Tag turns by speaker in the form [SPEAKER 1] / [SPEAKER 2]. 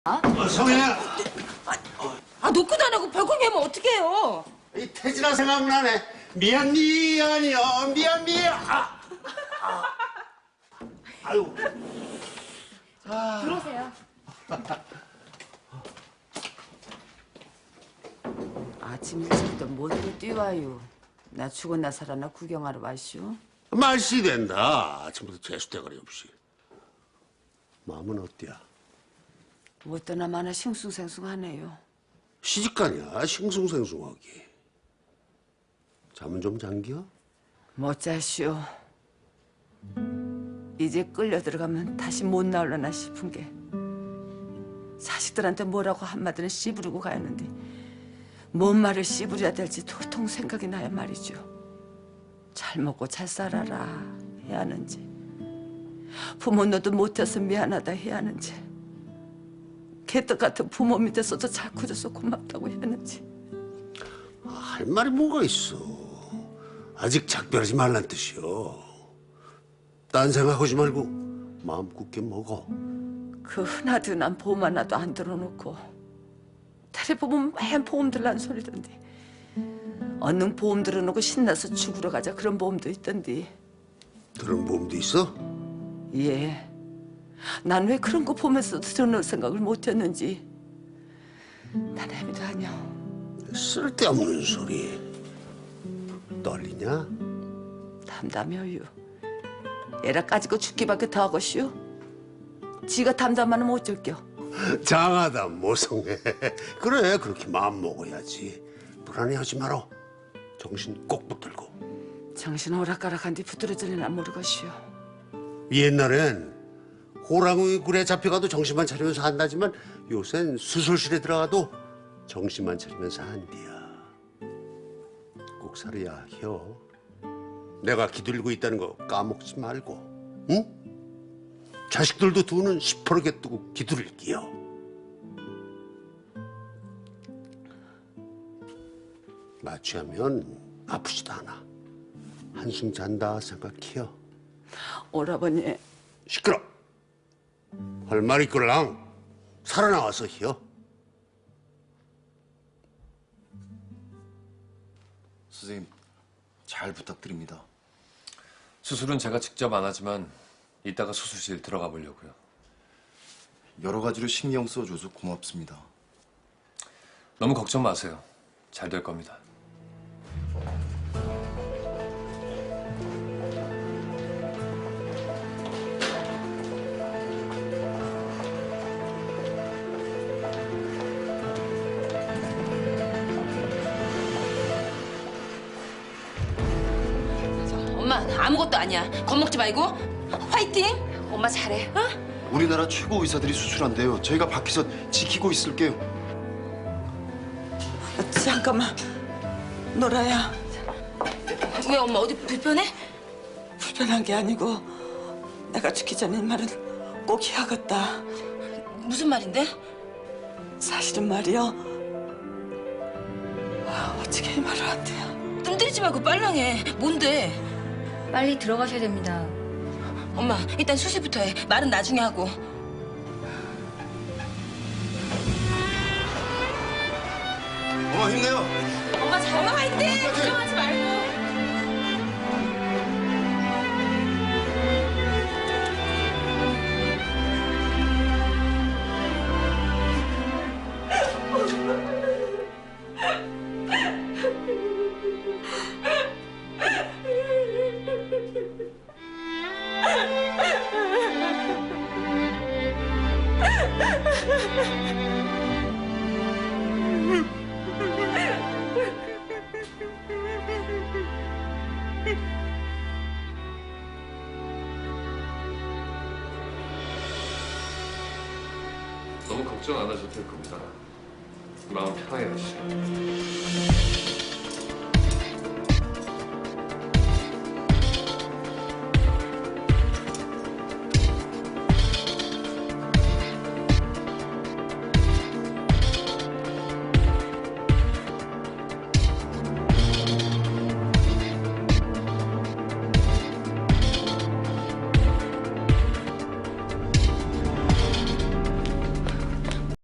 [SPEAKER 1] 성혜야.
[SPEAKER 2] 노크도 안 하고 벌컥 하면 어떡해요?
[SPEAKER 1] 이 태진아 생각나네. 미안이요. 미안. 아유.
[SPEAKER 2] 들어오세요.
[SPEAKER 3] 아침 일찍부터 뭐들을 뛰와요. 나 죽었나 살았나 구경하러 왔슈.
[SPEAKER 1] 말씨 된다. 아침부터 재수대가리 없이. 마음은 어때야?
[SPEAKER 3] 어떠나 마나 싱숭생숭하네요.
[SPEAKER 1] 시집가냐 싱숭생숭하기. 잠은 좀 잠겨?
[SPEAKER 3] 못 자슈. 이제 끌려 들어가면 다시 못 나올려나 싶은 게 자식들한테 뭐라고 한마디는 씨부르고 가야하는데 뭔 말을 씨부려야 될지 도통 생각이 나야 말이죠. 잘 먹고 잘 살아라 해야 하는지 부모 너도 못해서 미안하다 해야 하는지 개떡 같은 부모 밑에서도 잘 커져서 고맙다고 해야 하는지
[SPEAKER 1] 할 말이 뭐가 있어. 아직 작별하지 말란 뜻이요. 딴 생각하지 말고 마음 굳게 먹어.
[SPEAKER 3] 그 흔하드난 보험 하나도 안 들어놓고 텔레보면 맨 보험 들란 소리던데 얼른 보험 들어놓고 신나서 죽으러 가자 그런 보험도 있던데.
[SPEAKER 1] 그런 보험도 있어?
[SPEAKER 3] 예. 난 왜 그런 거 보면서 들어놓을 생각을 못했는지 난 애미도 아니야.
[SPEAKER 1] 쓸데없는 소리. 떨리냐?
[SPEAKER 3] 담담해요. 애라 까지고 죽기밖에 더 하고슈. 지가 담담하면 어쩔겨.
[SPEAKER 1] 장하다 모성애. 그래 그렇게 마음 먹어야지. 불안해하지 마라. 정신 꼭 붙들고.
[SPEAKER 3] 정신 오락가락한 뒤 부드러질려나 모르겠슈.
[SPEAKER 1] 옛날엔 호랑이 굴에 잡혀가도 정신만 차리면서 한다지만 요샌 수술실에 들어가도 정신만 차리면서 한디야. 꼭 살아야 혀. 내가 기들고 있다는 거 까먹지 말고. 응? 자식들도 두 눈 시퍼렇게 뜨고 기들을게요. 마취하면 아프지도 않아. 한숨 잔다 생각해요.
[SPEAKER 3] 오라버니.
[SPEAKER 1] 시끄러. 할 말 있걸랑 살아나와서 히어.
[SPEAKER 4] 선생님, 잘 부탁드립니다.
[SPEAKER 5] 수술은 제가 직접 안 하지만 이따가 수술실 들어가 보려고요.
[SPEAKER 4] 여러 가지로 신경 써줘서 고맙습니다.
[SPEAKER 5] 너무 걱정 마세요. 잘 될 겁니다.
[SPEAKER 2] 엄마 아무것도 아니야. 겁먹지 말고 화이팅. 엄마 잘해. 어?
[SPEAKER 4] 우리나라 최고 의사들이 수술한대요. 저희가 밖에서 지키고 있을게요.
[SPEAKER 3] 잠깐만. 노라야.
[SPEAKER 2] 왜 엄마 어디 불편해?
[SPEAKER 3] 불편한 게 아니고 내가 죽기 전에 이 말은 꼭 해야겠다.
[SPEAKER 2] 무슨 말인데?
[SPEAKER 3] 사실은 말이야. 어떻게 이 말을 안 돼요?
[SPEAKER 2] 뜸 들이지 말고 빨랑해. 뭔데?
[SPEAKER 6] 빨리 들어가셔야 됩니다.
[SPEAKER 2] 엄마 일단 수술부터 해. 말은 나중에 하고.
[SPEAKER 4] 엄마 힘내요.
[SPEAKER 2] 엄마 잘. 엄마 화이팅. 걱정하지 말고.
[SPEAKER 5] 너무 걱정 안 하셔도 될 겁니다. 마음 편하게 하시죠.